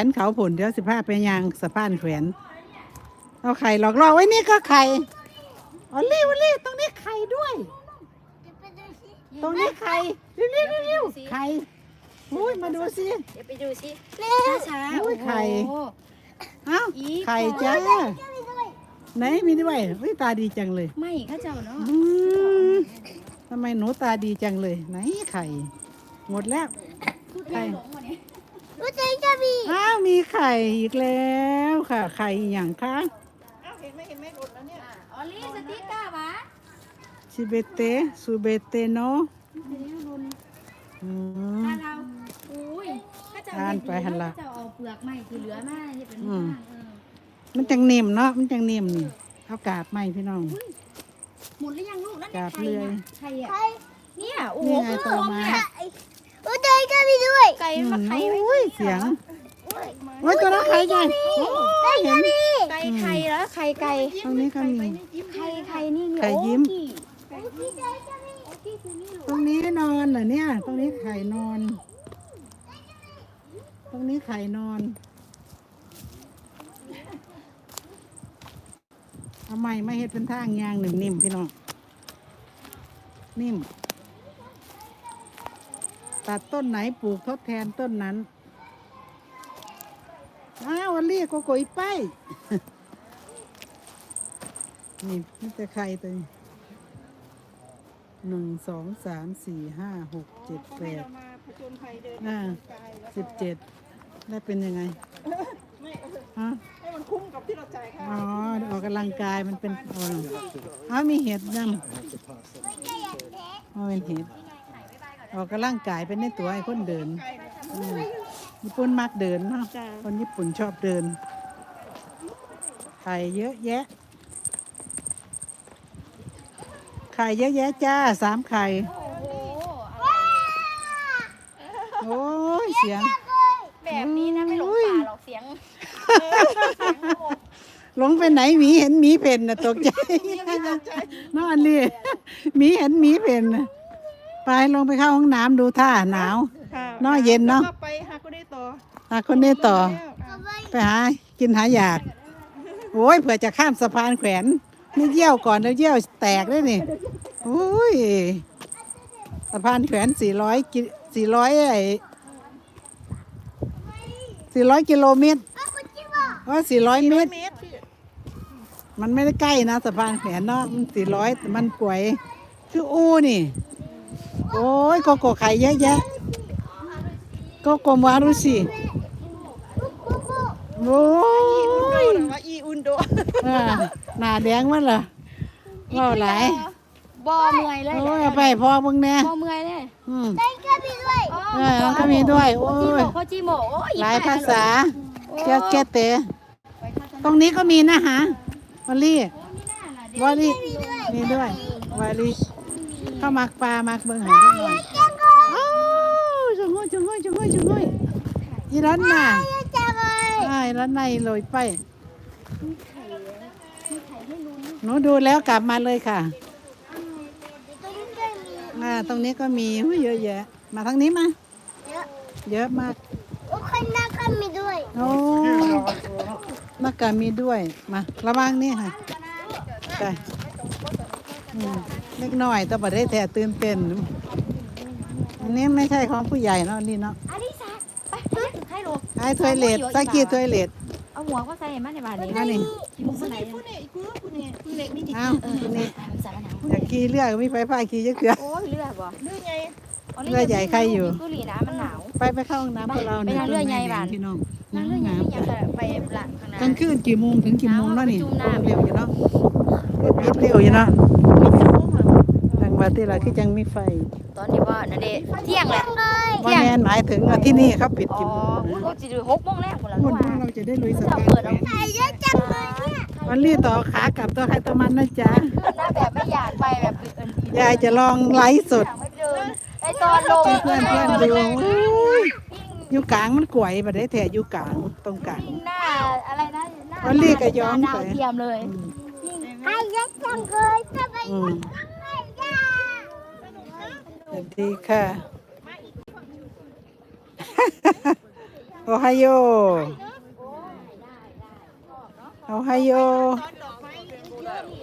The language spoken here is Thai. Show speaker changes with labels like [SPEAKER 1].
[SPEAKER 1] วนเขาผุนเดี๋ยว15ไปยางสะพานแขวนเอาไข่หลอกล่อไว้นี่ก็ไข่ออลลี่ตรงนี้ไข่ด้วย ตรงนี้ไข่เร็วไข่อุ้ยมาดูสิ
[SPEAKER 2] เดี๋ยวไปดูสิช้า
[SPEAKER 1] อุ้ยไข่เอ้าไข่จ้าไหนมีด้วยอุ้ยตาดีจังเลย
[SPEAKER 2] ไม่ข้าเจ้าเนาะ
[SPEAKER 1] ทำไมหนูตาดีจังเลยไหนไข่หมดแล้วไข่อ้าวมีไข่อีกแล้วค่ะไข่อย่างคะ
[SPEAKER 3] อ้าวเห็นไหมหมดแล้วเนี่ย
[SPEAKER 2] ออลลี่สติ๊กเกอร์วะ
[SPEAKER 1] ซูเบเตโน
[SPEAKER 2] ถ้าเราอุ้ยข้าเจ้าจะเอาเปลือกไม้ที่เหลือมาที่เป็น
[SPEAKER 1] มันจังนิ่มเนาะมันจังนิ่มนี่เอากาบไม้พี่น้อง
[SPEAKER 2] หมดหรือยังลูกนั่น
[SPEAKER 1] กาบเลย
[SPEAKER 2] ไข่อ่ะเนี่ยโอ้โห
[SPEAKER 1] ต่อมา
[SPEAKER 2] ไก่ก็มีด้วยไก่มาไข่
[SPEAKER 1] อุ้ยเสียงโอ้ยตัวนั้นไข่ใหญ่
[SPEAKER 2] เห็นไข่แล้วไข่
[SPEAKER 1] ตรงนี้ก็มี
[SPEAKER 2] ไข่นี่
[SPEAKER 1] ไข่ยิ้มตรงนี้นอนเหรอเนี่ยตรงนี้ไข่นอนตรงนี้ไข่นอนเอาใหม่ไม่เห็ดเป็นทางยางหนึ่งนิ่มพี่น้องนิ่มตัดต้นไหนปลูกทดแทนต้นนั้นอ้าววันเรียกโกยไปนี่นี่จะไข่ตัวนี้1 2 3 4 5 6 7 8 17ได้เป็นยังไงฮะ
[SPEAKER 3] ให้มันคุ้มกับที่เราจ่ายค่ะ
[SPEAKER 1] อ๋อออกกำลังกายมันเป็นมีเห็ดยังเป็นเห็ดออกกำลังกายเป็นในตัวไอ้คนเดินญี่ปุ่นมักเดินเนาะคนญี่ปุ่นชอบเดินไข่เยอะแยะไข่เยอะแยะจ้า3ไข่โอ้ยเสียง
[SPEAKER 2] แบบนี้นะไม่หลงป่าหรอกเสียง
[SPEAKER 1] หลงไปไหนหมีเห็นหมีเพ่นน่ะตกใจนอนเลยหมีเห็นหมีเพ่นไปลงไปเข้าห้องน้ำดูท่าหนาวนอนเย็นเนาะ
[SPEAKER 3] ไปหาคนนี้ต่อ
[SPEAKER 1] ไปหากินหาอยากโอ้ยเผื่อจะข้ามสะพานแขวนนี่เยี่ยวก่อนแล้วเยี่ยวแตกด้วยนี่โอ้ยสะพานแขวน400กิโลเมตร400 เมตรมันไม่ได้ใกล้นะสะพานแขวนเนาะมัน400มันป่วยคือนี่โอ้ยโกโก้ไข่เยอะแยะโกโก้มารุสิโอ้ย
[SPEAKER 3] อีอุนโด
[SPEAKER 1] หน้าแดงมันเหรอว่าหลาย
[SPEAKER 2] บ่เมื่อยเลย
[SPEAKER 1] โอ้ยไปพอมึงแน่
[SPEAKER 2] บ่เมื่อยเลย
[SPEAKER 1] ได้ก็มีด้วยก็มีด้วยโอ้ย
[SPEAKER 2] จิโม
[SPEAKER 1] หลายภาษาแกเตะตรงนี้ก็มีนะฮะวอลลี่มีด้วยวอลลี่เข้ามักปลามักเบิ่งหาด้วยจุงห้ยอีร้านน่ะร้านในลอยไปหนูดูแล้วกลับมาเลยค่ะตรงนี้ก็มีเยอะแยะมาทางนี้มาเยอะมาก
[SPEAKER 2] คนนักก็มีด้วย
[SPEAKER 1] โอ้นักการมีด้วยมาระวังนี่ค่ะไปเล็กน้อยแต่บ่ได้แท้ตื่นเต้นอันนี้ไม่ใช่ของผู้ใหญ่เนาะนี่เนาะ
[SPEAKER 2] อันนี้ไปให้ลูก
[SPEAKER 1] ไอ้ถ้วยเลดสักกี่ถ้วยเลด
[SPEAKER 2] เอาหัวก็ใส่มาในบ้านนี้
[SPEAKER 1] นี่
[SPEAKER 3] ผู้เล็กนี่
[SPEAKER 1] อ้าวนี่อยากขี่เรือมีไฟฟ้าขี่เยอะเกือ
[SPEAKER 2] โอ้ยเรือบ่
[SPEAKER 3] เรือใหญ่
[SPEAKER 1] เรือใหญ่ใครอยู่
[SPEAKER 2] กุหลีนะมันหนาว
[SPEAKER 1] ไปเข้าห้องน้ำพวกเรา
[SPEAKER 2] เนี่ยไปเรือใหญ่บ้าน
[SPEAKER 1] พี่น้อง
[SPEAKER 2] นั่งเรือใหญ่ยังจะไปหลังข้างหน้าก
[SPEAKER 1] ลางคืนกี่โมงถึงกี่โมงแล้วนี่เร็วอยู่เนาะเร็วอยู่เนาะทางวัดที่เราคือจังมีไฟ
[SPEAKER 2] ตอนนี้ว่านั่นเด้เที่ยงแหละ
[SPEAKER 1] ว่าแมนหมายถึงที่นี่เขาปิดกี่โมง
[SPEAKER 2] ก็จะดู6 โมงแล้วหมดแล้ว
[SPEAKER 1] เราจะได้ลุยสะพานวันนี้ต่อขากลับตัวใครตัวมันนะจ๊ะ
[SPEAKER 2] แบบไม่อยากไปแบบ
[SPEAKER 1] ยายจะลองไลฟ์สด
[SPEAKER 2] ไอตอนลง
[SPEAKER 1] เพื่อนดูอยู่กลางมันกวยแบบได้แถอยู่กลางตรงกลาง
[SPEAKER 2] หน้าอะไรนะ
[SPEAKER 1] วันนี้ก็ย้อม
[SPEAKER 2] ดาวเทียมเลย
[SPEAKER 3] ไอ้ยักษ์จังเลยจะไป
[SPEAKER 1] สวัสดีค่ะโอไฮโอโอไฮโอ